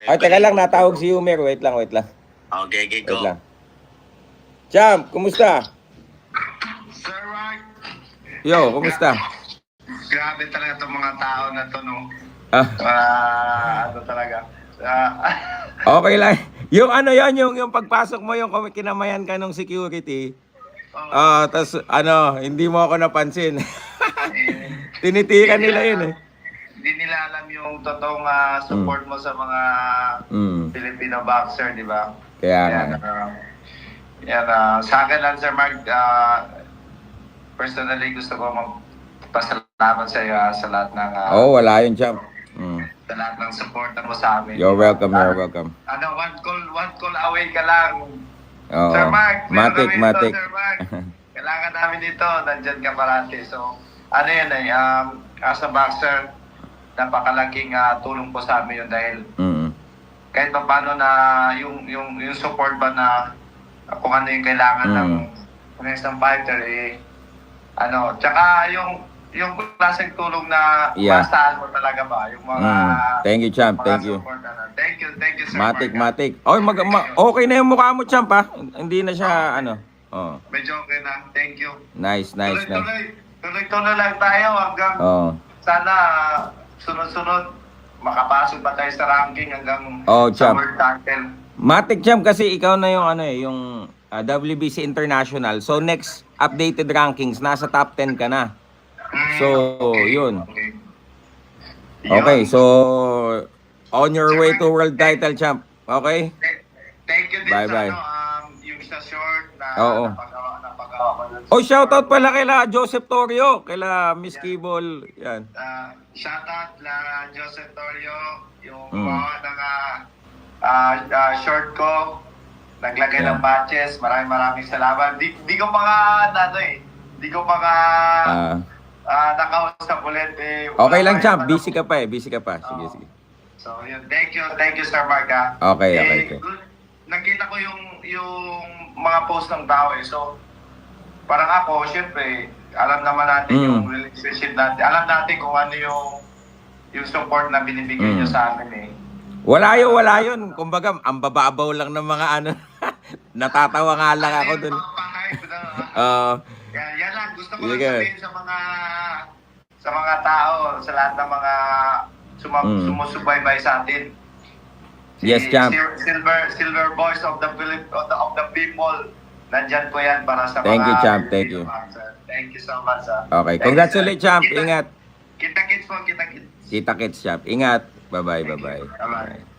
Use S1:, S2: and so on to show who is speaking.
S1: Ay, teka lang, natawag si Yumer. Wait lang, wait lang.
S2: Okay,
S1: Wait
S2: go.
S1: lang. Champ, kumusta?
S3: Sir Mark,
S1: Yo, kumusta?
S3: grabe talaga itong mga tao na to, no? Ano talaga?
S1: Okay lang. Yung ano yan, yung pagpasok mo, yung kinamayan ka ng security. Tas hindi mo ako napansin. Tinitikan nila yun eh.
S3: Hindi nila alam yung totoong support mo sa mga Filipino boxer, di ba?
S1: Kaya nga.
S3: Sa akin lang, Sir Mark, personally gusto ko magpasalamat sa iyo sa lahat ng
S1: Wala yun, champ.
S3: sa lahat ng support mo sa amin.
S1: You're welcome, you're welcome.
S3: One call away ka lang.
S1: Oo.
S3: Sir Mark,
S1: Matik.
S3: Sir Mark. Kailangan namin ito, nandyan ka parati. So, yun as a boxer, napakalaking tulong po sa amin yun dahil kahit pa paano na yung support ba na kung ano yung kailangan ng isang fighter tsaka yung klaseng tulong na masahan mo talaga ba yung mga
S1: Thank you, champ. Thank you.
S3: Thank you, Sir
S1: Matik. Okay na yung mukha mo, champ, ha? Hindi na siya,
S3: Medyo okay na. Thank you.
S1: Nice.
S3: Tuloy-tuloy lang tayo hanggang sana sunod-sunod makapasok pa tayo sa ranking hanggang sa
S1: champ.
S3: world title.
S1: Matik, champ, kasi ikaw na yung yung WBC International. So next updated rankings, nasa top 10 ka na. So, yun. Okay, so on your way to world title, champ. Okay?
S3: Thank you din
S1: Bye-bye.
S3: yung sa short na napagawa ko dun.
S1: Shoutout pala kila Joseph Torrio, kila Miss Kibol. Yan.
S3: Shoutout la Joseph Torrio, yung gumawa ng short ko, naglagay ng patches. Maraming salamat. Di ko pa di ko pa nakausap ulit.
S1: Okay lang, champ. Busy ka pa. Sige.
S3: So, yun. Thank you, Sir Mark.
S1: Okay.
S3: Nakita ko yung mga post ng tao eh. So, parang ako, syempre, alam naman natin yung relationship natin. Alam natin kung ano yung support na binibigay nyo sa amin eh.
S1: Wala yun. Kumbaga, ang bababaw lang ng mga natatawa nga lang ako dun.
S3: Yan lang. Gusto ko lang sabihin sa mga tao, sa lahat ng mga sumusubaybay sa atin.
S1: Yes, champ.
S3: Silver voice of the people. Nandyan po yan para sa
S1: Thank you, champ. Thank you.
S3: Thank you so much.
S1: Okay. Congratulations, champ. Ingat.
S3: Kita-kits po, kita-kits.
S1: Kita-kits, champ. Ingat. Bye-bye.
S3: Bye-bye.